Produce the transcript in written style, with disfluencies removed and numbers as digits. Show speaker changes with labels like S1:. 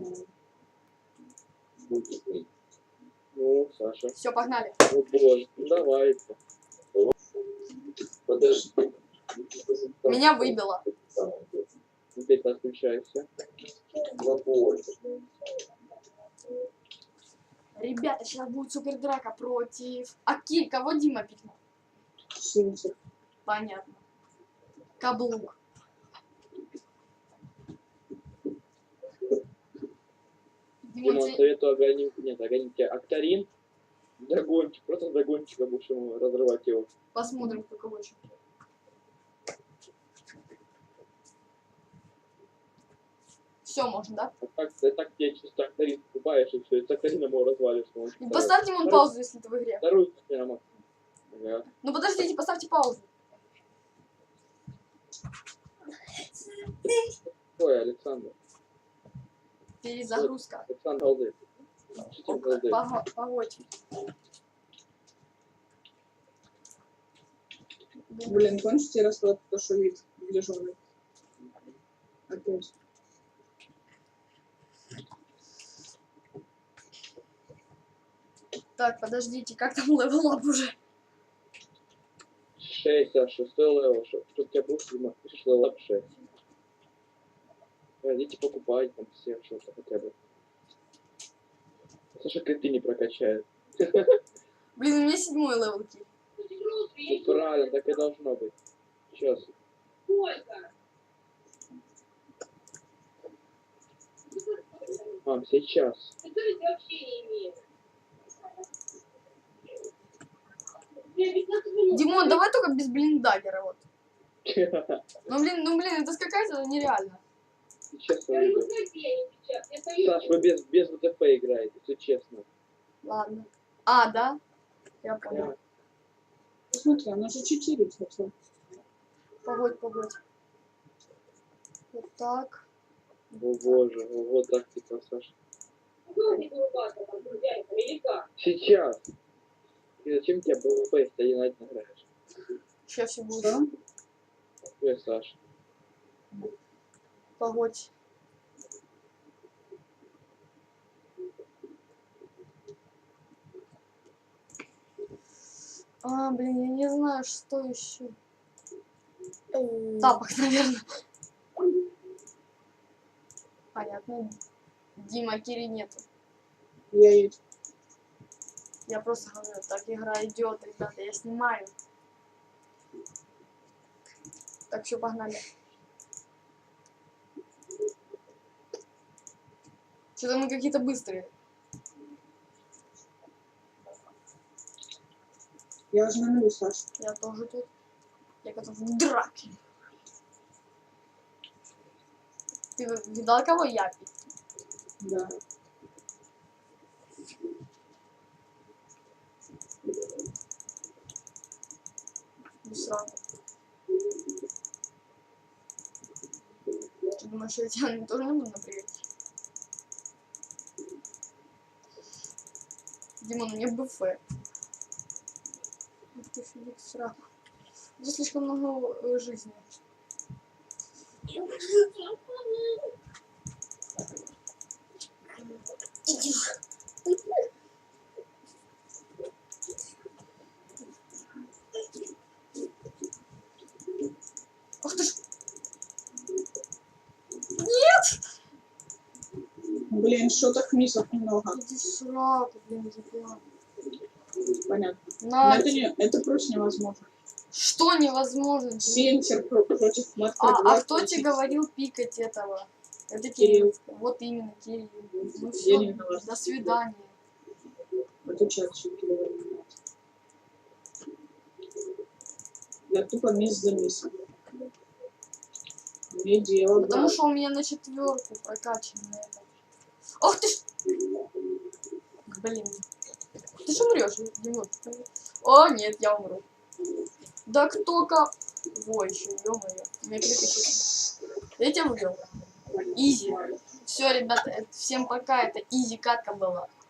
S1: Ну, Саша.
S2: Все, погнали.
S1: О боже, ну давай. Подожди.
S2: Меня выбило.
S1: Теперь подключайся.
S2: Ребята, сейчас будет супер драка против... Аки, кого Дима пикнул?
S3: Синтер.
S2: Понятно. Каблук.
S1: Дима, советую огонить. Нет, огонить тебя Актарин. Догончик. Просто догончика будешь ему разрывать его.
S2: Посмотрим, кто кого что. Все можно, да?
S1: Так тебе чисто Актарин покупаешь и все. И с Актарином его развалишь.
S2: И поставьте ему паузу, если это в игре.
S1: Вторую прямо. Ага.
S2: Ну подождите, поставьте паузу.
S1: Ой, Александр.
S2: Перезагрузка.
S1: Александр Алды.
S2: Погодь.
S3: Блин, кончите расклад, то, что вид дежурный. Опять.
S2: Так, подождите, как там левелап уже?
S1: 6, а 6 левел, чтоб тебя был пишешь левел 6. Идите покупать там всех что-то хотя бы. Саша криты не прокачает.
S2: Блин, у меня 7-й левел килл.
S1: Ну, правильно, так и должно быть. Сейчас. Мам, сейчас.
S2: Димон, давай только без блиндагера, вот. Ну блин, это какая-то нереально.
S1: Честно, Саш, вы без ВТФ играете, все честно.
S2: Ладно. А, да? Я понял.
S3: Посмотри, она же 4 хотела.
S2: Погодь. Вот так.
S1: О боже, вот так типа, Саша. Сейчас. И зачем тебе БВП, если ты 1-1 играешь?
S2: Сейчас все будет.
S3: Что?
S1: Ой, Саша.
S2: Погодь. А, блин, я не знаю, что еще. Тапок, наверное. Понятно. Дима, Кири нету.
S3: Я есть.
S2: Я просто говорю, так игра идет, ребята, я снимаю. Так, все, погнали. Что-то мы какие-то быстрые.
S3: Я уже на нуле, Саша.
S2: Я тоже тут. Я готов к драке. Ты видал, кого я пить?
S3: Да.
S2: Без сразу. Ты думаешь, я тебя тоже не буду напрягать? Димон, у меня БФ. Ух ты, Филипп, сраку. Здесь слишком много жизни. Иди. Ах ты ж. Нет!
S3: Блин, что-то миссов много.
S2: Иди сраку, блин, запила.
S3: Понятно.
S2: На.
S3: Но это просто невозможно.
S2: Что невозможно? Димон?
S3: Синтер против Матка.
S2: А кто тебе говорил пикать этого? Это Кирилл. Вот именно, Кирилл. Ну все, до свидания.
S3: Это чат Кирилл. Я тупо мисс за миссом. Не дело,
S2: Потому
S3: брат.
S2: что у меня на 4 прокачано это. Ох ты ж! Блин. Ты же умрешь, Димон. О, нет, я умру. Да кто-ка... Во, еще, ё-моё. Меня перепишет. Я тебя выиграл. Изи. Все, ребята, всем пока. Это изи катка была.